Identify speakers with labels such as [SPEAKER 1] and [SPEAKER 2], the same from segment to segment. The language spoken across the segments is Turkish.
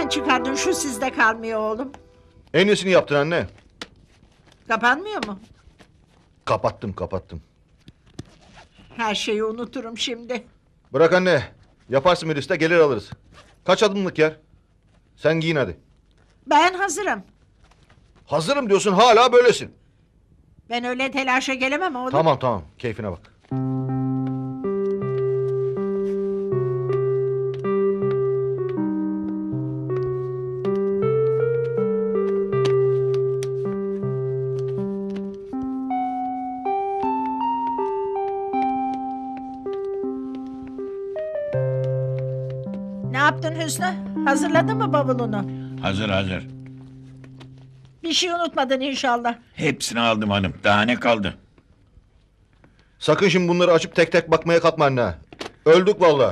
[SPEAKER 1] nereden çıkardın şu sizde kalmıyor oğlum?
[SPEAKER 2] En iyisini yaptın anne.
[SPEAKER 1] Kapanmıyor mu?
[SPEAKER 2] Kapattım.
[SPEAKER 1] Her şeyi unuturum şimdi.
[SPEAKER 2] Bırak anne. Yaparsın bir liste, gelir alırız. Kaç adımlık yer? Sen giyin hadi.
[SPEAKER 1] Ben hazırım.
[SPEAKER 2] Hazırım diyorsun, hala böylesin.
[SPEAKER 1] Ben öyle telaşa gelemem oğlum.
[SPEAKER 2] Tamam, keyfine bak.
[SPEAKER 1] Ne yaptın Hüsnü? Hazırladın mı bavulunu?
[SPEAKER 3] Hazır.
[SPEAKER 1] Bir şey unutmadın inşallah.
[SPEAKER 3] Hepsini aldım hanım. Daha ne kaldı?
[SPEAKER 2] Sakın şimdi bunları açıp tek tek bakmaya kalkma anne. Öldük vallahi.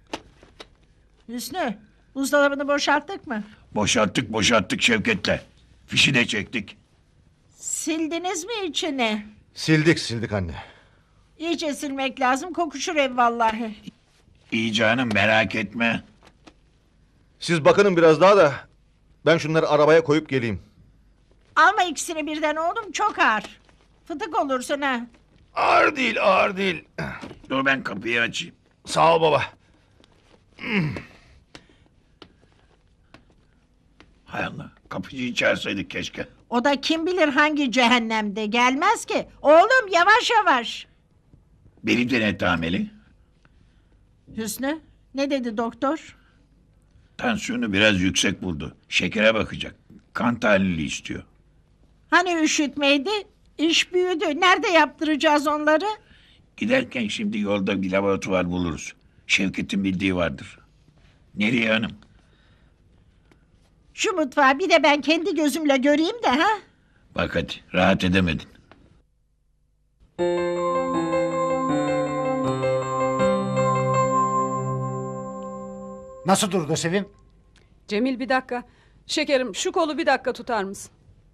[SPEAKER 1] Hüsnü, buzdolabını boşalttık mı?
[SPEAKER 3] Boşalttık Şevket'le. Fişi de çektik.
[SPEAKER 1] Sildiniz mi içini?
[SPEAKER 2] Sildik anne.
[SPEAKER 1] İyice silmek lazım, kokuşur ev vallahi.
[SPEAKER 3] İyi canım, merak etme.
[SPEAKER 2] Siz bakının biraz daha da ben şunları arabaya koyup geleyim.
[SPEAKER 1] Alma ikisini birden oğlum, çok ağır. Fıtık olursun ha.
[SPEAKER 2] Ağır değil.
[SPEAKER 3] Dur ben kapıyı açayım.
[SPEAKER 2] Sağ ol baba.
[SPEAKER 3] Hay Allah, kapıcıyı çağırsaydık keşke.
[SPEAKER 1] O da kim bilir hangi cehennemde, gelmez ki. Oğlum yavaş.
[SPEAKER 3] Benim de ne tameli?
[SPEAKER 1] Hüsnü, ne dedi doktor?
[SPEAKER 3] Tansiyonu biraz yüksek buldu. Şekere bakacak. Kan tahlili istiyor.
[SPEAKER 1] Hani üşütmeydi? İş büyüdü. Nerede yaptıracağız onları?
[SPEAKER 3] Giderken şimdi yolda bir laboratuvar buluruz. Şevket'in bildiği vardır. Nereye hanım?
[SPEAKER 1] Şu mutfağı bir de ben kendi gözümle göreyim de ha.
[SPEAKER 3] Bak hadi, rahat edemedin.
[SPEAKER 4] Nasıl durdu Sevim?
[SPEAKER 5] Cemil bir dakika. Şekerim şu kolu bir dakika tutar mısın?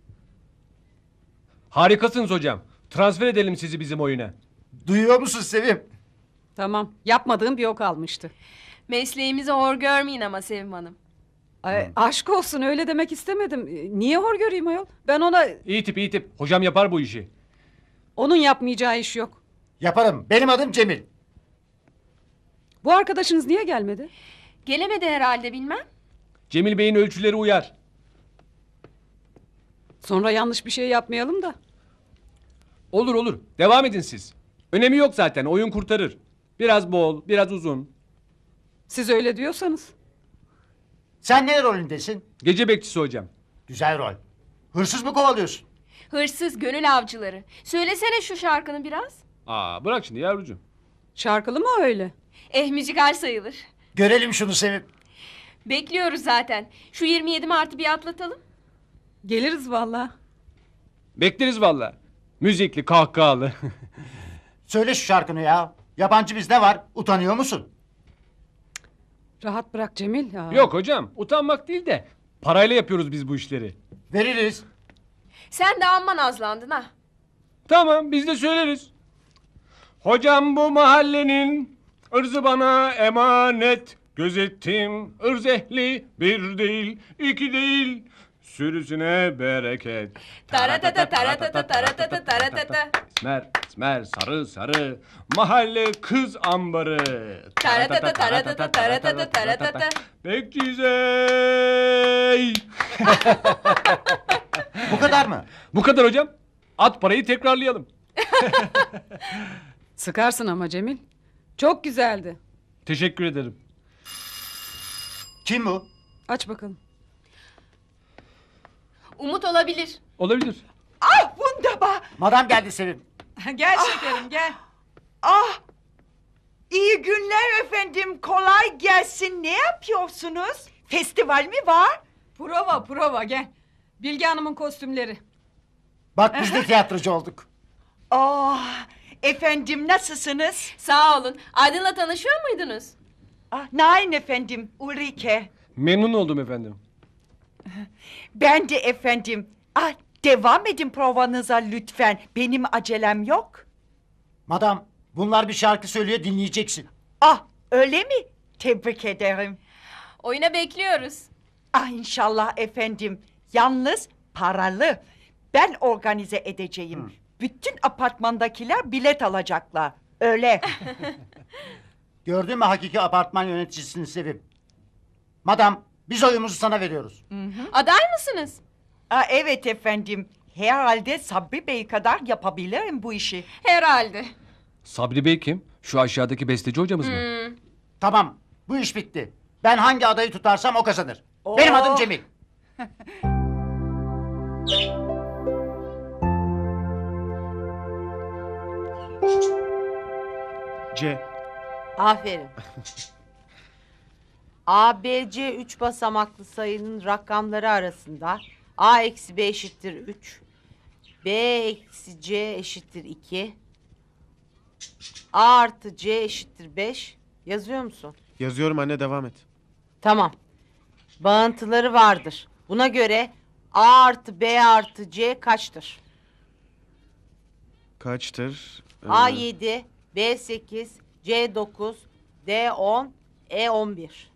[SPEAKER 6] Harikasınız hocam. Transfer edelim sizi bizim oyuna.
[SPEAKER 4] Duyuyor musun Sevim?
[SPEAKER 5] Tamam. Yapmadığım bir o kalmıştı.
[SPEAKER 7] Mesleğimizi hor görmeyin ama Sevim Hanım.
[SPEAKER 5] Ay, aşk olsun öyle demek istemedim. Niye hor göreyim ayol? Ben ona...
[SPEAKER 6] İyi tip. Hocam yapar bu işi.
[SPEAKER 5] Onun yapmayacağı iş yok.
[SPEAKER 4] Yaparım. Benim adım Cemil.
[SPEAKER 5] Bu arkadaşınız niye gelmedi?
[SPEAKER 7] Gelemedi herhalde bilmem.
[SPEAKER 6] Cemil Bey'in ölçüleri uyar.
[SPEAKER 5] Sonra yanlış bir şey yapmayalım da.
[SPEAKER 6] Olur. Devam edin siz. Önemi yok zaten. Oyun kurtarır. Biraz bol, biraz uzun.
[SPEAKER 5] Siz öyle diyorsanız.
[SPEAKER 4] Sen ne rolündesin?
[SPEAKER 6] Gece bekçisi hocam.
[SPEAKER 4] Güzel rol. Hırsız mı kovalıyorsun?
[SPEAKER 7] Hırsız gönül avcıları. Söylesene şu şarkını biraz.
[SPEAKER 6] Bırak şimdi yavrucuğum.
[SPEAKER 5] Şarkılı mı öyle?
[SPEAKER 7] Müzikal sayılır.
[SPEAKER 4] Görelim şunu Sevim.
[SPEAKER 7] Bekliyoruz zaten. Şu 27 Mart'ı bir atlatalım.
[SPEAKER 5] Geliriz vallahi.
[SPEAKER 6] Bekleriz valla. Müzikli, kahkahalı.
[SPEAKER 4] Söyle şu şarkını ya. Yabancı bizde var. Utanıyor musun?
[SPEAKER 5] Rahat bırak Cemil. Ya.
[SPEAKER 6] Yok hocam, utanmak değil de parayla yapıyoruz biz bu işleri.
[SPEAKER 4] Veririz.
[SPEAKER 7] Sen de amma nazlandın ha.
[SPEAKER 6] Tamam, biz de söyleriz. Hocam bu mahallenin ırzı bana emanet. Gözettim ırz ehli bir değil, iki değil. Sürüsüne bereket.
[SPEAKER 7] Taratata taratata taratata taratata.
[SPEAKER 6] Esmer sarı mahalle kız ambarı.
[SPEAKER 7] Taratata taratata taratata taratata.
[SPEAKER 6] Bekçizey.
[SPEAKER 4] Bu kadar mı?
[SPEAKER 6] Bu kadar hocam. At parayı tekrarlayalım.
[SPEAKER 5] Sıkarsın ama Cemil. Çok güzeldi.
[SPEAKER 6] Teşekkür ederim.
[SPEAKER 4] Kim bu?
[SPEAKER 5] Aç bakalım.
[SPEAKER 7] Umut olabilir.
[SPEAKER 6] Olabilir.
[SPEAKER 8] Wunderbar.
[SPEAKER 4] Madam geldi Sevim.
[SPEAKER 8] Gel şekerim gel. İyi günler efendim. Kolay gelsin. Ne yapıyorsunuz? Festival mi var?
[SPEAKER 5] Prova gel. Bilge Hanım'ın kostümleri.
[SPEAKER 4] Bak biz de tiyatrocu olduk.
[SPEAKER 8] Efendim nasılsınız?
[SPEAKER 7] Sağ olun. Aydın'la tanışıyor muydunuz?
[SPEAKER 8] Nein efendim. Ulrike.
[SPEAKER 6] Memnun oldum efendim.
[SPEAKER 8] Ben de efendim. Devam edin provanıza lütfen. Benim acelem yok.
[SPEAKER 4] Madam bunlar bir şarkı söylüyor dinleyeceksin.
[SPEAKER 8] Öyle mi? Tebrik ederim.
[SPEAKER 7] Oyuna bekliyoruz.
[SPEAKER 8] Ah inşallah efendim. Yalnız paralı. Ben organize edeceğim. Bütün apartmandakiler bilet alacaklar. Öyle.
[SPEAKER 4] Gördün mü hakiki apartman yöneticisini Sevim? Madam biz oyumuzu sana veriyoruz.
[SPEAKER 7] Aday mısınız?
[SPEAKER 8] Evet efendim. Herhalde Sabri Bey kadar yapabilirim bu işi.
[SPEAKER 7] Herhalde.
[SPEAKER 6] Sabri Bey kim? Şu aşağıdaki besteci hocamız mı?
[SPEAKER 4] Tamam bu iş bitti. Ben hangi adayı tutarsam o kazanır.
[SPEAKER 8] Oo.
[SPEAKER 4] Benim adım Cemil.
[SPEAKER 9] C.
[SPEAKER 10] Aferin. A, B, C 3 basamaklı sayının rakamları arasında A eksi B eşittir 3. B eksi C eşittir 2. A artı C eşittir 5. Yazıyor musun?
[SPEAKER 9] Yazıyorum anne, devam et.
[SPEAKER 10] Tamam. Bağıntıları vardır. Buna göre A artı B artı C kaçtır?
[SPEAKER 9] Kaçtır?
[SPEAKER 10] A 7, B 8, C 9, D 10, E 11.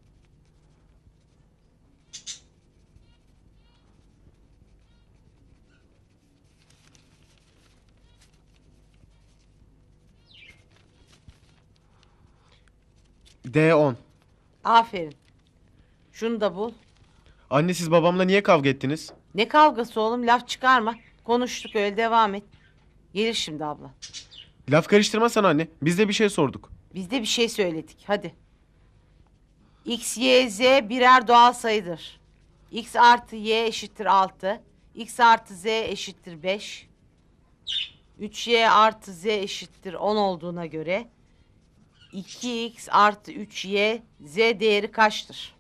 [SPEAKER 9] D10.
[SPEAKER 10] Aferin. Şunu da bul.
[SPEAKER 9] Anne siz babamla niye kavga ettiniz?
[SPEAKER 10] Ne kavgası oğlum, laf çıkarma. Konuştuk, öyle devam et. Gelir şimdi abla.
[SPEAKER 9] Laf karıştırmasana anne. Biz de bir şey sorduk.
[SPEAKER 10] Biz de bir şey söyledik, hadi. X, Y, Z birer doğal sayıdır. X artı Y eşittir 6. X artı Z eşittir 5. 3Y artı Z eşittir 10 olduğuna göre 2X artı 3Y Z değeri kaçtır?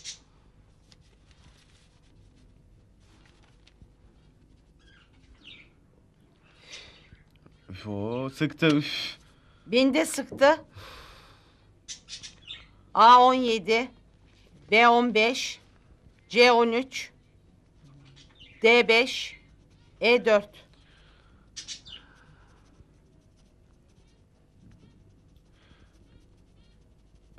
[SPEAKER 9] Üf, o sıktı. Üf.
[SPEAKER 10] Beni de sıktı. A 17, B 15, C 13, D 5, E 4.
[SPEAKER 9] Ee,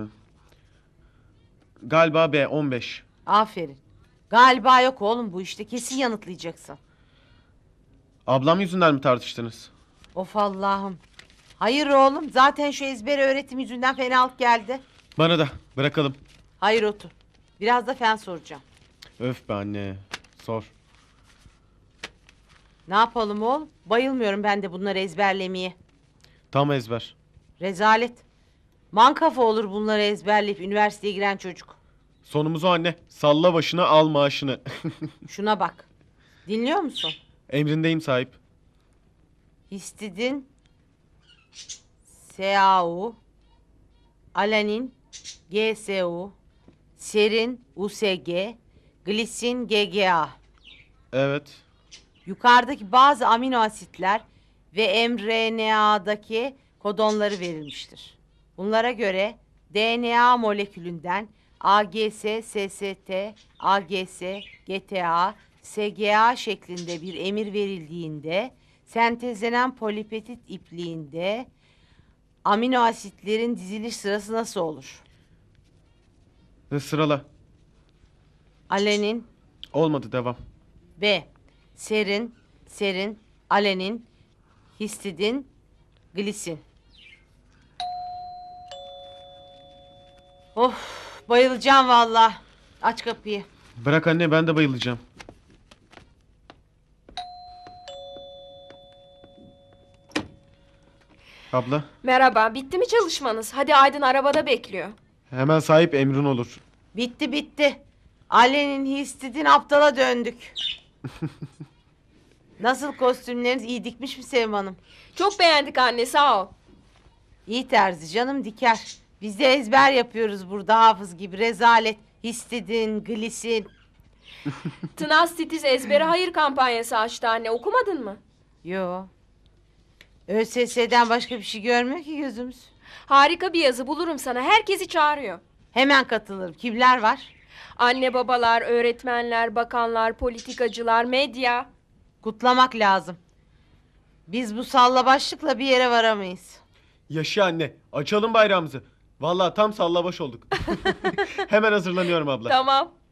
[SPEAKER 9] galiba B15.
[SPEAKER 10] Aferin. Galiba yok oğlum bu işte, kesin yanıtlayacaksın.
[SPEAKER 9] Ablam yüzünden mi tartıştınız?
[SPEAKER 10] Of Allah'ım. Hayır oğlum, zaten şu ezber öğretim yüzünden fenalık geldi.
[SPEAKER 9] Bana da bırakalım.
[SPEAKER 10] Hayır, otur. Biraz da fen soracağım.
[SPEAKER 9] Öf be anne. Sor.
[SPEAKER 10] Ne yapalım oğlum? Bayılmıyorum ben de bunları ezberlemeye.
[SPEAKER 9] Tam ezber.
[SPEAKER 10] Rezalet. Mankafa olur bunları ezberleyip üniversiteye giren çocuk.
[SPEAKER 9] Sonumuz o anne. Salla başına al maaşını.
[SPEAKER 10] Şuna bak. Dinliyor musun?
[SPEAKER 9] Emrindeyim sahip.
[SPEAKER 10] Histidin SAU, alanin GSU, serin USG, glisin GGA.
[SPEAKER 9] Evet.
[SPEAKER 10] Yukarıdaki bazı amino asitler ve mRNA'daki kodonları verilmiştir. Bunlara göre DNA molekülünden AGS, SST, AGS, GTA, SGA şeklinde bir emir verildiğinde sentezlenen polipeptit ipliğinde amino asitlerin diziliş sırası nasıl olur?
[SPEAKER 9] Sırala.
[SPEAKER 10] Alenin,
[SPEAKER 9] Olmadı, devam.
[SPEAKER 10] B. Serin, alenin, histidin, glisin. Of, bayılacağım vallahi. Aç kapıyı.
[SPEAKER 9] Bırak anne, ben de bayılacağım. Abla,
[SPEAKER 7] Merhaba, bitti mi çalışmanız? Hadi Aydın arabada bekliyor.
[SPEAKER 9] hemen sahip emrin olur.
[SPEAKER 10] Bitti. Alenin, histidin aptala döndük. Nasıl, kostümleriniz iyi dikmiş mi Sevim Hanım?
[SPEAKER 7] Çok beğendik anne, sağ ol.
[SPEAKER 10] İyi terzi canım, diker. Biz de ezber yapıyoruz burada hafız gibi, rezalet. Histidin, glisin.
[SPEAKER 7] Tınaz Titiz ezbere hayır kampanyası açtı anne, okumadın mı?
[SPEAKER 10] Yo. ÖSS'den başka bir şey görmüyor ki gözümüz.
[SPEAKER 7] Harika bir yazı bulurum sana, herkesi çağırıyor.
[SPEAKER 10] Hemen katılırım. Kimler var?
[SPEAKER 7] Anne babalar, öğretmenler, bakanlar, politikacılar, medya.
[SPEAKER 10] Kutlamak lazım. Biz bu salla başlıkla bir yere varamayız.
[SPEAKER 9] Yaşa anne, açalım bayrağımızı. Vallahi tam sallabaş olduk. Hemen hazırlanıyorum abla.
[SPEAKER 7] Tamam.